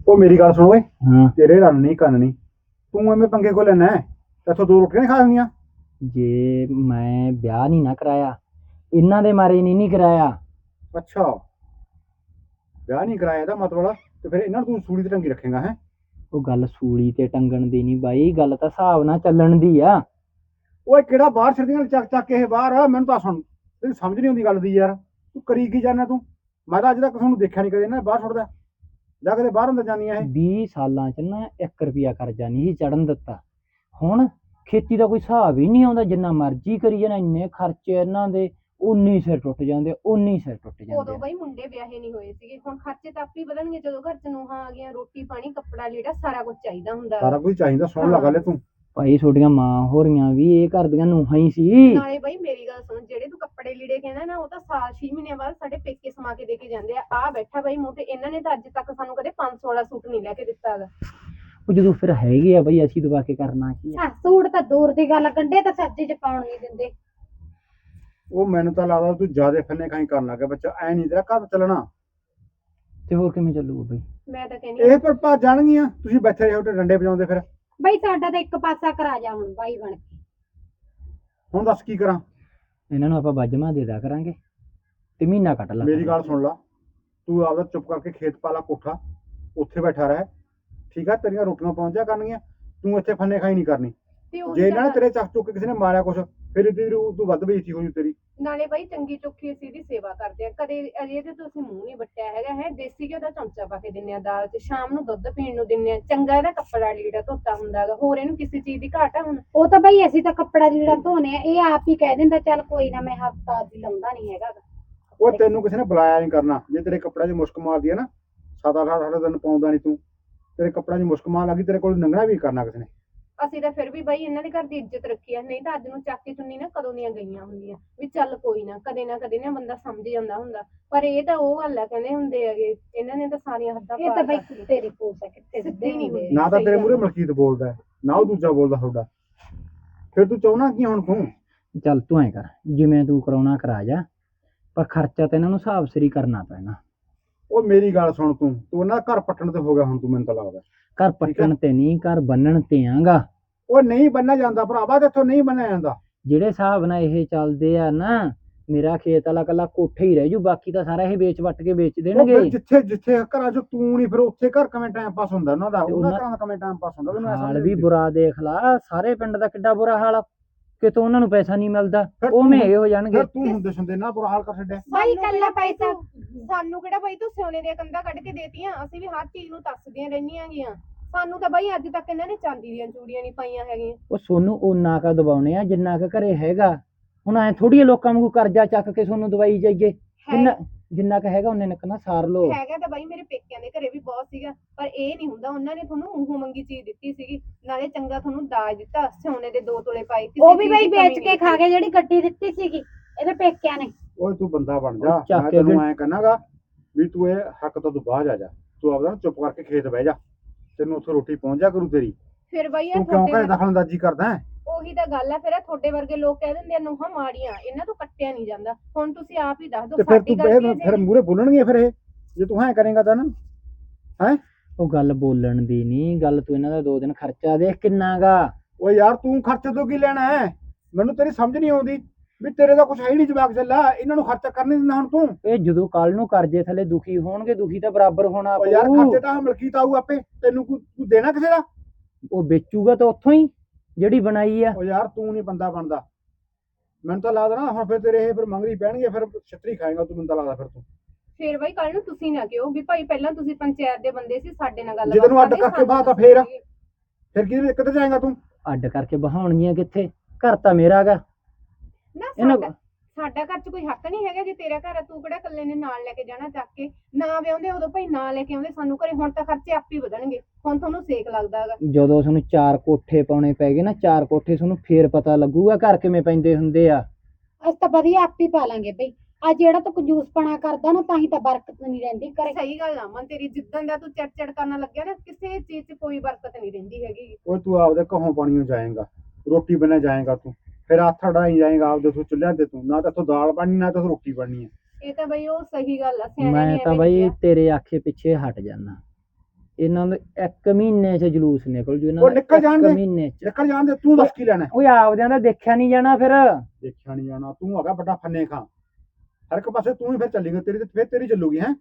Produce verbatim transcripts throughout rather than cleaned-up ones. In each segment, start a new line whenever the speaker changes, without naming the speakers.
ਉਹ ਮੇਰੀ ਗੱਲ ਸੁਣ ਓਏ,
ਹਾਂ।
ਤੇਰੇ ਰੰਨ ਨਹੀਂ ਕੰਨ ਨਹੀਂ, ਤੂੰ ਐਵੇਂ ਪੰਗੇ ਕੋ ਲੈਣਾ ਹੈ? ਇੱਥੋਂ ਦੋ ਰੋਟੀਆਂ ਨੀ ਖਾ ਲੈਣੀਆਂ?
ਜੇ ਮੈਂ ਵਿਆਹ ਨਹੀਂ ਨਾ ਕਰਾਇਆ, ਇਹਨਾਂ ਦੇ ਮਾਰੇ ਨਹੀਂ ਨਹੀਂ ਕਰਾਇਆ।
ਅੱਛਾ, ਵਿਆਹ ਨਹੀਂ ਕਰਾਇਆ ਇਹਦਾ ਮਤਲਬ, ਤੇ ਫਿਰ ਇਹਨਾਂ ਨੂੰ ਤੂੰ ਸੂਲੀ ਤੇ ਟੰਗੀ ਰੱਖੇਗਾ ਹੈ?
ਉਹ ਗੱਲ ਸੂਲੀ ਤੇ ਟੰਗਣ ਦੀ ਨਹੀਂ ਬਾਈ, ਗੱਲ ਤਾਂ ਹਿਸਾਬ ਨਾਲ ਚੱਲਣ ਦੀ ਆ।
ਓਏ ਕਿਹੜਾ ਬਾਹਰ ਛੱਡੀਆਂ ਚੱਕ ਚੱਕ ਕੇ ਇਹ ਬਾਹਰ ਆ? ਮੈਨੂੰ ਤਾਂ ਸੁਣ, ਤੈਨੂੰ ਸਮਝ ਨਹੀਂ ਆਉਂਦੀ ਗੱਲ ਦੀ ਯਾਰ। ਤੂੰ ਕਰੀ ਕੀ ਜਾਣਾ ਤੂੰ? ਮੈਂ ਤਾਂ ਅੱਜ ਤੱਕ ਤੁਹਾਨੂੰ ਦੇਖਿਆ ਨਹੀਂ ਕਦੇ ਨਾ ਬਾਹਰ ਛੱਡਦਾ, ਜਾ ਕੇ ਬਾਹਰ ਅੰਦਰ ਜਾਂਦੀਆਂ ਇਹ।
ਵੀਹ ਸਾਲਾਂ ਚ ਨਾ ਇੱਕ ਰੁਪਿਆ ਕਰਜ਼ਾ ਨਹੀਂ ਸੀ ਚੜਨ ਦਿੱਤਾ। ਹੁਣ ਖੇਤੀ ਦਾ ਕੋਈ ਹਿਸਾਬ ਹੀ ਨਹੀਂ ਆਉਂਦਾ, ਜਿੰਨਾ ਮਰਜ਼ੀ ਕਰੀ ਜਾਣਾ, ਇੰਨੇ ਖਰਚੇ ਇਹਨਾਂ ਦੇ, ਉਨੀ ਸਿਰ ਟੁੱਟ ਜਾਂਦੇ, ਉਨੀ ਸਿਰ ਟੁੱਟ ਜਾਂਦੇ
ਉਦੋਂ
ਆ।
ਬਈ ਮੁੰਡੇ ਵਿਆਹੇ ਨਹੀਂ ਹੋਏ ਸੀਗੇ, ਹੁਣ ਖਰਚੇ ਤਾਂ ਆਪੇ ਵਧਣਗੇ ਜਦੋਂ ਘਰ ਚ ਨੂੰਹਾਂ ਆ ਗਈਆਂ, ਰੋਟੀ ਪਾਣੀ ਕੱਪੜਾ ਲੀੜਾ ਸਾਰਾ ਕੁਝ ਚਾਹੀਦਾ ਹੁੰਦਾ।
ਸਾਰਾ ਕੁਝ ਚਾਹੀਦਾ, ਸੁਣ ਲਾ ਗੱਲ ਤੂੰ।
ਭਾਈ ਤੁਹਾਡੀਆਂ ਮਾਂ ਹੋ ਰਹੀਆਂ ਵੀ ਇਹ ਘਰ ਦੀਆਂ ਨੂੰਹਾਂ ਹੀ ਸੀ।
ਨਾਲੇ ਬਈ ਮੇਰੀ ਗੱਲ ਸੁਣ, ਜਿਹੜੇ ਤੂੰ ਕੱਪੜੇ ਲੀੜੇ ਕਹਿੰਦਾ ਨਾ, ਉਹ ਤਾਂ ਸਾਲ ਛੇ ਮਹੀਨਿਆਂ ਬਾਅਦ ਸਾਡੇ ਪੇਕੇ ਸਮਾ ਕੇ ਦੇ ਕੇ ਜਾਂਦੇ ਆ। ਆ ਬੈਠਾ ਬਈ ਮੂੰਹ ਤੇ, ਇਹਨਾਂ ਨੇ ਤਾਂ ਅੱਜ ਤੱਕ ਸਾਨੂੰ ਕਦੇ ਪੰਜ ਸੌ ਵਾਲਾ ਸੂਟ ਨਹੀਂ ਲੈ ਕੇ ਦਿੱਤਾ ਹੈਗਾ।
ਉਹ ਜਦੋਂ ਫਿਰ ਹੈਗੇ ਆ ਬਈ, ਅਸੀਂ ਦਬਾ ਕੇ ਕਰਨਾ ਕੀ ਆ?
ਸੂਟ ਤਾਂ ਦੂਰ ਦੀ ਗੱਲ, ਗੰਢੇ ਤਾਂ ਸਬਜ਼ੀ ਚ ਪਾਉਣ ਨਹੀਂ ਦਿੰਦੇ।
ਉਹ ਮੈਨੂੰ ਤਾਂ ਲੱਗਦਾ ਤੂੰ ਜਿਆਦੇ ਫੰਨੇ ਖਾਈ ਕਰਨ ਲੱਗਾ ਬੱਚਾ, ਐ ਨਹੀਂ ਤੇਰਾ ਘਰ ਚੱਲਣਾ।
ਤੇ ਹੋਰ ਕਿਵੇਂ ਚੱਲੂਗਾ ਬਈ?
ਮੈਂ ਤਾਂ ਕਹਿੰਦੀ
ਇਹ ਪਰ ਭੱਜ ਜਾਣਗੀਆਂ, ਤੁਸੀਂ ਬੈਠੇ ਰਹੋ ਤੇ ਡੰਡੇ ਵਜਾਉਂਦੇ ਫਿਰ।
ਬਈ ਸਾਡਾ ਤਾਂ ਇੱਕ ਪਾਸਾ ਕਰਾ ਜਾ ਹੁਣ ਬਾਈ ਬਣ ਕੇ।
ਹੁਣ ਦੱਸ ਕੀ ਕਰਾਂ?
ਇਹਨਾਂ ਨੂੰ ਆਪਾਂ ਬਾਜਮਾ ਦੇ ਦਿਆ ਕਰਾਂਗੇ ਤੇ ਮਹੀਨਾ ਕੱਟ ਲਾ।
ਮੇਰੀ ਗੱਲ ਸੁਣ ਲਾ, ਤੂੰ ਆਪਦਾ ਚੁੱਪ ਕਰਕੇ ਖੇਤ ਪਾਲਾ ਕੋਠਾ, ਉੱਥੇ ਬੈਠਾ ਰਹਿ, ਠੀਕ ਆ? ਤੇਰੀਆਂ ਰੋਟੀਆਂ ਪਹੁੰਚ ਜਾ ਕਰਨਗੀਆਂ, ਤੂੰ ਇੱਥੇ ਫੰਨੇ ਖਾਈ ਨਹੀਂ ਕਰਨੀ।
ਤੇ ਉਹੀ
ਜੇ ਇਹਨਾਂ ਨੇ
ਤਾਂ
ਤੇਰੇ ਚੱਕ ਚੁੱਕ ਕੇ ਕਿਸੇ ਨੇ ਮਾਰਿਆ ਕੁਛ, ਫਿਰ ਇਹਦੀ ਰੂਹ ਤੂੰ ਵੱਧ ਬੇਇੱਜ਼ਤੀ ਹੋਈ ਤੇਰੀ।
ਨਾਲੇ ਬਈ ਚੰਗੀ ਚੋਖੀ ਅਸੀਂ ਇਹਦੀ ਸੇਵਾ ਕਰਦੇ ਆ, ਕਦੇ ਅਜੇ ਤੇ ਤੁਸੀਂ ਮੂੰਹ ਨਹੀਂ ਵੱਟਿਆ ਹੈਗਾ ਹੈ। ਦੇਸੀ ਘਿਓ ਦਾ ਚਮਚਾ ਪਾ ਕੇ ਦਿੰਨੇ ਆ ਦਾਲ ਚ, ਸ਼ਾਮ ਨੂੰ ਦੁੱਧ ਪੀਣ ਨੂੰ ਦਿੰਨੇ ਆ, ਚੰਗਾ ਇਹਦਾ ਕੱਪੜਾ ਲੀੜਾ ਧੋਤਾ ਹੁੰਦਾ ਹੈਗਾ, ਹੋਰ ਇਹਨੂੰ ਕਿਸੇ ਚੀਜ਼ ਦੀ ਘਾਟ ਆ ਹੁਣ?
ਉਹ ਤਾਂ ਬਈ ਅਸੀਂ ਤਾਂ ਕੱਪੜਾ ਲੀੜਾ ਧੋਨੇ ਆ, ਇਹ ਆਪ ਹੀ ਕਹਿ ਦਿੰਦਾ ਚੱਲ ਕੋਈ ਨਾ, ਮੈਂ ਹਫਤਾ ਦੀ ਲਾਉਂਦਾ ਨਹੀਂ ਹੈਗਾ ਗਾ।
ਉਹ ਤੈਨੂੰ ਕਿਸੇ ਨੇ ਬੁਲਾਇਆ ਨਹੀਂ ਕਰਨਾ, ਜੇ ਤੇਰੇ ਕੱਪੜਿਆਂ 'ਚ ਮੁਸ਼ਕ ਮਾਰਦੀ ਹੈ ਨਾ, ਸੱਤ ਅੱਠ ਅੱਠ ਦਿਨ ਪਾਉਂਦਾ ਨਹੀਂ ਤੂੰ, ਤੇਰੇ ਕੱਪੜਿਆਂ 'ਚ ਮੁਸ਼ਕ ਮਾਰ ਲੱਗੀ, ਤੇਰੇ ਕੋਲ ਲੰਘਣਾ ਵੀ ਕਰਨਾ ਕਿਸੇ ਨੇ।
ਅਸੀਂ ਤਾਂ ਫਿਰ ਵੀ ਬਈ ਇਹਨਾਂ ਦੇ ਘਰ ਦੀ ਇੱਜ਼ਤ ਰੱਖੀ ਆ, ਨਹੀਂ ਤਾਂ ਅੱਜ ਨੂੰ ਚੱਕ ਕੇ ਚੁੰਨੀ ਨਾ ਕਦੋਂ ਦੀਆਂ ਗਈਆਂ ਹੁੰਦੀਆਂ ਵੀ ਚੱਲ ਕੋਈ ਨਾ, ਕਦੇ ਨਾ ਕਦੇ ਨਾ ਬੰਦਾ ਸਮਝ ਜਾਂਦਾ ਹੁੰਦਾ। ਪਰ ਇਹ ਤਾਂ ਉਹ ਗੱਲ ਆ, ਕਹਿੰਦੇ ਹੁੰਦੇ ਹੈਗੇ ਇਹਨਾਂ ਨੇ ਤਾਂ ਸਾਰੀਆਂ ਹੱਦਾਂ
ਇਹ ਤਾਂ ਬਈ
ਪਾਰ
ਕੁੱਤੇ ਦੀ ਪੂਛ ਆ, ਕਿੱਥੇ ਸਿੱਧੇ ਨਹੀਂ ਹੁੰਦੇ।
ਨਾ ਤਾਂ ਤੇਰੇ ਮੂਹਰੇ ਮਲਕੀਤ ਬੋਲਦਾ ਹੈ, ਨਾ ਉਹ ਦੂਜਾ ਬੋਲਦਾ ਤੁਹਾਡਾ, ਫਿਰ ਤੂੰ ਚਾਹੁੰਦਾ ਕੀ ਹੁਣ ਤੂੰ?
ਚੱਲ ਤੂੰ ਐ ਕਰ, ਜਿਵੇਂ ਤੂੰ ਕਰਾਉਣਾ ਕਰਾ ਜਾ, ਪਰ ਖਰਚਾ ਤਾਂ ਇਹਨਾਂ ਨੂੰ ਹਿਸਾਬ ਸਿਰ ਹੀ ਕਰਨਾ ਪੈਣਾ।
ਉਹ ਮੇਰੀ ਗੱਲ ਸੁਣ, ਤੂੰ ਤੂੰ ਉਹਨਾਂ ਦਾ ਘਰ ਪੱਟਣ ਤੇ ਹੋ ਗਿਆ ਹੁਣ ਤੂੰ, ਮੈਨੂੰ ਤਾਂ ਲੱਗਦਾ।
ਘਰ ਪੱਟਣ ਤੇ ਨਹੀਂ, ਘਰ ਬੰਨਣ ਤੇ ਆਂਗਾ।
ਉਹ ਨਹੀਂ ਬੰਨਿਆ ਜਾਂਦਾ ਭਰਾਵਾ, ਤੇ ਇੱਥੋਂ ਨਹੀਂ ਬੰਨਿਆ ਜਾਂਦਾ।
ਜਿਹੜੇ ਹਿਸਾਬ ਨਾਲ ਇਹ ਚੱਲਦੇ ਆ ਨਾ, ਮੇਰਾ ਖੇਤ ਵਾਲਾ ਕੱਲਾ ਕੋਠਾ ਹੀ ਰਹਿ ਜੂ, ਬਾਕੀ ਤਾਂ ਸਾਰਾ ਇਹ ਵੇਚ ਵੱਟ ਕੇ ਵੇਚ
ਉਹ
ਦੇਣਗੇ।
ਫਿਰ ਜਿੱਥੇ ਜਿੱਥੇ ਘਰਾਂ 'ਚ ਤੂੰ ਨਹੀਂ, ਫਿਰ ਉੱਥੇ ਘਰ ਕਿਵੇਂ ਟਾਈਮ ਪਾਸ ਹੁੰਦਾ ਉਹਨਾਂ ਦਾ?
ਤੇ
ਉਹਨਾਂ
ਉਹਨਾਂ-
ਘਰਾਂ ਦਾ ਕਿਵੇਂ ਟਾਈਮ ਪਾਸ ਹੁੰਦਾ? ਮੈਨੂੰ ਐਸਾ
ਹਾਲ
ਨਹੀਂ
ਵੀ ਬੁਰਾ ਦੇਖ ਲਾ, ਸਾਰੇ ਪਿੰਡ ਦਾ ਕਿੱਡਾ ਬੁਰਾ ਹਾਲ ਆ, ਕਿਤੋਂ ਉਹਨਾਂ ਨੂੰ ਪੈਸਾ ਨਹੀਂ ਮਿਲਦਾ,
ਫਿਰ
ਉਹ
ਤੂੰ-
ਮੇ ਹੋ ਜਾਣਗੇ।
ਫਿਰ ਤੂੰ ਹੁੰਦੇ ਸੁਣਦੇ ਨਾ ਬੁਰਾ ਹਾਲ ਕਰ ਛੱਡਿਆ।
ਬਾਈ ਕੱਲਾ ਪੈਸਾ,
ਸਾਨੂੰ ਕਿਹੜਾ ਬਈ ਤੂੰ ਸੋਨੇ ਦੀਆਂ ਕੰਧਾਂ ਕੱਢ ਕੇ ਦੇਤੀਆਂ? ਅਸੀਂ ਵੀ ਹਰ ਚੀਜ਼ ਨੂੰ ਤਰਸਦੀਆਂ ਰਹਿੰਦੀਆਂ ਗੀਆਂ। ਸਾਨੂੰ ਤਾਂ ਬਈ ਅੱਜ ਤੱਕ ਇਹਨਾਂ ਨੇ ਚਾਂਦੀ ਦੀਆਂ ਚੂੜੀਆਂ ਨਹੀਂ ਪਾਈਆਂ ਹੈਗੀਆਂ।
ਉਹ ਸੋਨੂੰ ਓਨਾ ਕਾ ਦਬਾਉਣੇ ਆ ਜਿੰਨਾ ਕੁ ਘਰੇ ਹੈਗਾ। ਹੁਣ ਐ ਥੋੜੀ ਲੋਕਾਂ ਵਾਂਗੂ ਕਰਜ਼ਾ ਚੱਕ ਕੇ ਸੋਨੂੰ ਦਵਾਈ ਜਾਈਏ, ਜਿੰਨਾ ਜਿੰਨਾ ਕੁ ਹੈਗਾ ਉਹਨੇ ਨਿਕਣਾ ਸਾਰ ਲੋ।
ਹੈਗਾ ਤਾਂ ਬਈ ਮੇਰੇ ਪੇਕਿਆਂ ਦੇ ਘਰੇ ਵੀ ਬਹੁਤ ਸੀਗਾ, ਪਰ ਇਹ ਨਹੀਂ ਹੁੰਦਾ, ਉਹਨਾਂ ਨੇ ਤੁਹਾਨੂੰ ਮੂੰਹੋਂ ਮੰਗੀ ਚੀਜ਼ ਦਿੱਤੀ ਸੀਗੀ, ਨਾਲੇ ਚੰਗਾ ਤੁਹਾਨੂੰ ਦਾਜ ਦਿੱਤਾ, ਸੋਨੇ ਦੇ ਦੋ ਤੋਲੇ ਪਾਏ। ਕਿਸੇ
ਉਹ ਵੀ
ਚੀਜ਼
ਬਈ
ਦੀ
ਵੇਚ
ਕਮੀ
ਕੇ
ਨਹੀਂ
ਖਾ ਕੇ ਜਿਹੜੀ ਗੱਡੀ ਦਿੱਤੀ ਸੀਗੀ ਇਹਦੇ ਪੇਕਿਆਂ ਨੇ।
ਓਏ ਤੂੰ ਬੰਦਾ ਬਣ ਜਾ,
ਚੱਕ
ਮੈਂ
ਕੇ
ਤੈਨੂੰ
ਫਿਰ-
ਐਂ ਕਹਿਣਾਗਾ ਵੀ ਤੂੰ ਇਹ ਹੱਕ ਤੋਂ ਤੂੰ ਬਾਹਰ ਆ ਜਾ, ਤੂੰ ਆਪਦਾ ਚੁੱਪ ਕਰਕੇ ਖੇਤ ਬਹਿ ਜਾ, ਤੈਨੂੰ ਉੱਥੇ ਰੋਟੀ ਪਹੁੰਚ ਜਾ ਕਰੂ ਤੇਰੀ।
ਫਿਰ ਬਈ ਇਹ
ਤੂੰ ਕਿਉਂ ਘਰੇ
ਤੁਹਾਡੇ
ਦਖਲਅੰਦਾਜ਼ੀ ਕਰਦਾ ਹੈ?
ਉਹੀ ਤਾਂ ਗੱਲ ਆ, ਫਿਰ ਇਹ ਤੁਹਾਡੇ ਵਰਗੇ ਲੋਕ ਕਹਿ ਦਿੰਦੇ ਆ ਨੂੰਹਾਂ ਮਾੜੀਆਂ, ਇਹਨਾਂ ਤੋਂ ਕੱਟਿਆ ਨਹੀਂ ਜਾਂਦਾ। ਹੁਣ ਤੁਸੀਂ ਆਪ ਹੀ ਦੱਸ ਦਿਓ
ਤੇ ਫਿਰ
ਸਾਡੀ
ਤੂੰ
ਗਲਤੀ
ਇਹ
ਹੈ
ਫਿਰ ਮੂਹਰੇ ਬੋਲਣਗੇ ਫਿਰ ਇਹ, ਜੇ ਤੂੰ ਐਂ ਕਰੇਗਾ ਤਾਂ ਨਾ ਹੈ।
ਉਹ ਗੱਲ ਬੋਲਣ ਦੀ ਨਹੀਂ, ਗੱਲ ਤੂੰ ਇਹਨਾਂ ਦਾ ਦੋ ਦਿਨ ਖਰਚਾ ਦੇਖ ਕਿੰਨਾ ਗਾ।
ਓਏ ਯਾਰ ਤੂੰ ਖਰਚੇ ਤੋਂ ਕੀ ਲੈਣਾ ਹੈ? ਮੈਨੂੰ ਤੇਰੀ ਸਮਝ ਨਹੀਂ ਆਉਂਦੀ ਵੀ ਤੇਰੇ ਦਾ ਕੁਛ ਹੈ ਹੀ ਨਹੀਂ, ਜਵਾਕ ਚੱਲਾ, ਇਹਨਾਂ ਨੂੰ ਖਰਚਾ ਕਰਨ ਨਹੀਂ ਦਿੰਦਾ ਹੁਣ ਤੂੰ।
ਇਹ ਜਦੋਂ ਕੱਲ ਨੂੰ ਕਰਜ਼ੇ ਥੱਲੇ ਦੁਖੀ ਹੋਣਗੇ, ਦੁਖੀ ਤਾਂ ਬਰਾਬਰ ਹੋਣਾ
ਓ ਯਾਰ
ਪਊ।
ਖਰਚੇ ਤਾਂ ਮਲਕੀਤ ਆਊ ਆਪੇ, ਤੈਨੂੰ ਕੋਈ ਤੂੰ ਦੇਣਾ ਕਿਸੇ ਦਾ?
ਉਹ ਵੇਚੂਗਾ ਤਾਂ ਉੱਥੋਂ ਹੀ ਜਿਹੜੀ ਬਣਾਈ ਆ।
ਓ ਯਾਰ ਤੂੰ ਨਹੀਂ ਬੰਦਾ ਬਣਦਾ, ਮੈਨੂੰ ਤਾਂ ਲੱਗਦਾ ਨਾ ਹੁਣ ਫਿਰ ਤੇਰੇ ਇਹ ਫਿਰ ਮੰਗਰੀ ਪੈਣਗੇ, ਫਿਰ ਛਤਰੀ ਖਾਏਗਾ ਤੂੰ, ਮੈਨੂੰ ਤਾਂ ਲੱਗਦਾ ਫਿਰ ਤੂੰ।
ਫਿਰ ਬਈ ਕੱਲ ਨੂੰ ਤੁਸੀਂ ਨਾ ਕਿਹੋ ਵੀ ਭਾਈ ਪਹਿਲਾਂ ਤੁਸੀਂ ਪੰਚਾਇਤ ਦੇ ਬੰਦੇ ਸੀ, ਸਾਡੇ ਨਾਲ ਗੱਲ
ਜੇ ਤੈਨੂੰ ਅੱਡ ਕਰਕੇ ਬਾਤ ਆ ਫੇਰ ਫਿਰ ਕਿਹਦੇ ਕਿੱਥੇ ਜਾਏਗਾ ਤੂੰ?
ਅੱਡ ਕਰਕੇ ਬਹਾਉਣਗੀਆਂ ਕਿੱਥੇ? ਘਰ ਤਾਂ ਮੇਰਾ ਗਾ।
ਨਾ
ਇਹਨਾਂ-
ਸਾਡਾ ਸਾਡਾ ਘਰ 'ਚ ਕੋਈ ਹੱਕ ਨਹੀਂ ਹੈਗਾ? ਜੇ ਤੇਰਾ ਘਰ ਆ, ਤੂੰ ਕਿਹੜਾ ਇਕੱਲੇ ਨੇ ਨਾਲ ਲੈ ਕੇ ਜਾਣਾ ਚੱਕ ਕੇ? ਨਾ ਵਿਆਹੁੰਦੇ ਉਦੋਂ ਭਾਈ ਨਾ ਲੈ ਕੇ ਆਉਂਦੇ ਸਾਨੂੰ ਘਰੇ, ਹੁਣ ਤਾਂ ਖਰਚੇ ਆਪੇ ਵਧਣਗੇ, ਹੁਣ ਤੁਹਾਨੂੰ ਸੇਕ ਲੱਗਦਾ ਹੈਗਾ।
ਜਦੋਂ ਤੁਹਾਨੂੰ ਚਾਰ ਕੋਠੇ ਪਾਉਣੇ ਪੈ ਗਏ ਨਾ, ਚਾਰ ਕੋਠੇ ਤੁਹਾਨੂੰ ਫੇਰ ਪਤਾ ਲੱਗੂਗਾ ਘਰ ਕਿਵੇਂ ਪੈਂਦੇ ਹੁੰਦੇ ਆ।
ਅਸੀਂ ਤਾਂ ਵਧੀਆ ਆਪ ਹੀ ਪਾ ਲਾਂਗੇ ਬਈ। ਆ ਜਿਹੜਾ ਤੂੰ ਕੰਜੂਸਪਣਾ ਕਰਦਾ ਨਾ, ਤਾਂ ਹੀ ਤਾਂ ਬਰਕਤ ਨਹੀਂ ਰਹਿੰਦੀ ਘਰੇ।
ਸਹੀ ਗੱਲ ਆ ਮਨ ਤੇਰੀ, ਜਿੱਦਣ ਦਾ ਤੂੰ ਚੜ ਚੜ ਕਰਨ ਲੱਗਿਆ ਨਾ, ਕਿਸੇ ਚੀਜ਼ 'ਚ ਕੋਈ ਬਰਕਤ ਨਹੀਂ ਰਹਿੰਦੀ ਹੈਗੀ।
ਓਏ ਤੂੰ ਆਪਦੇ ਘਹੋਂ ਪਾਣੀਓ ਜਾਏਗਾ, ਰੋਟੀ ਬਣਾ ਜਾਏਗਾ ਤੂੰ, ਫਿਰ ਹੱਥ ਅੜਾਈ ਜਾਏਗਾ ਆਪਦੇ ਤੋਂ ਚੁੱਲ੍ਹਿਆਂ ਤੇ, ਤੂੰ ਨਾ ਤਾਂ ਇੱਥੋਂ ਦਾਲ ਬਣਨੀ ਨਾ ਤਾਂ ਰੋਟੀ ਬਣਨੀ ਹੈ।
ਇਹ ਤਾਂ ਬਈ ਉਹ ਸਹੀ ਗੱਲ ਆ, ਸਿਆਣਿਆਂ
ਮੈਂ
ਨੇ
ਤਾਂ
ਐਵੇਂ
ਬਈ
ਕਿਹਾ।
ਤੇਰੇ ਆਖੇ ਪਿੱਛੇ ਹਟ ਜਾਣਾ। ਇਹਨਾਂ ਦਾ ਇੱਕ ਮਹੀਨੇ 'ਚ ਜਲੂਸ ਨਿਕਲ ਜੂ ਇਹਨਾਂ
ਉਹ
ਦਾ
ਨਿਕਲ
ਇੱਕ
ਜਾਣ ਦੇ।
ਮਹੀਨੇ 'ਚ।
ਨਿਕਲ ਜਾਣ ਦੇ, ਤੂੰ ਦੱਸ ਕੀ ਲੈਣਾ ਹੈ?
ਓਏ ਆਪਦਿਆਂ ਦਾ ਦੇਖਿਆ ਨਹੀਂ ਜਾਣਾ ਫਿਰ।
ਦੇਖਿਆ ਨਹੀਂ ਜਾਣਾ, ਤੂੰ ਹੈਗਾ ਵੱਡਾ ਫੰਨੇ ਖਾਂ, ਹਰ ਇੱਕ ਪਾਸੇ ਤੂੰ ਹੀ ਫਿਰ ਚੱਲੇਗਾ, ਤੇਰੀ ਤੇ ਫਿਰ ਤੇਰੀ ਚੱਲੂਗੀ ਹੈ।